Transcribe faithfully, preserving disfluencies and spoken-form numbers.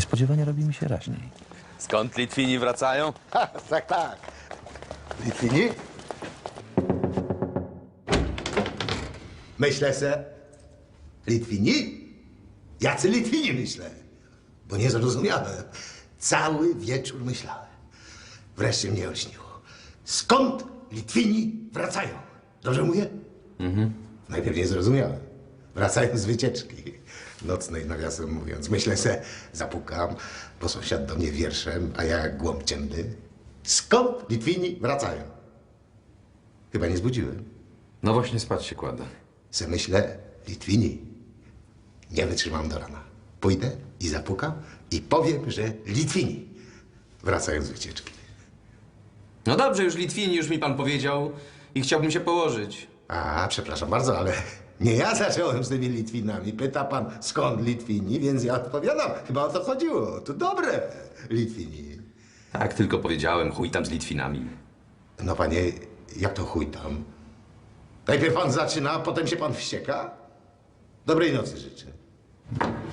Niespodziewanie robi mi się raźniej. Skąd Litwini wracają? Ha, tak, tak. Litwini? Myślę se. Litwini? Jacy Litwini myślę? Bo nie zrozumiałem. Cały wieczór myślałem. Wreszcie mnie olśniło. Skąd Litwini wracają? Dobrze mówię? Mhm. Najpierw nie zrozumiałem. Wracają z wycieczki nocnej, nawiasem mówiąc. Myślę se, zapukam, bo sąsiad do mnie wierszem, a ja jak głąb ciemny. Skąd Litwini wracają? Chyba nie zbudziłem. No właśnie spać się kładę. Se myślę, Litwini. Nie wytrzymam do rana. Pójdę i zapukam i powiem, że Litwini wracają z wycieczki. No dobrze, już Litwini, już mi pan powiedział i chciałbym się położyć. A, przepraszam bardzo, ale nie ja zacząłem z tymi Litwinami. Pyta pan, skąd Litwini, więc ja odpowiadam. Chyba o to chodziło. To dobre, Litwini. Tak, tylko powiedziałem, chuj tam z Litwinami. No panie, jak to chuj tam? Najpierw pan zaczyna, a potem się pan wścieka? Dobrej nocy życzę.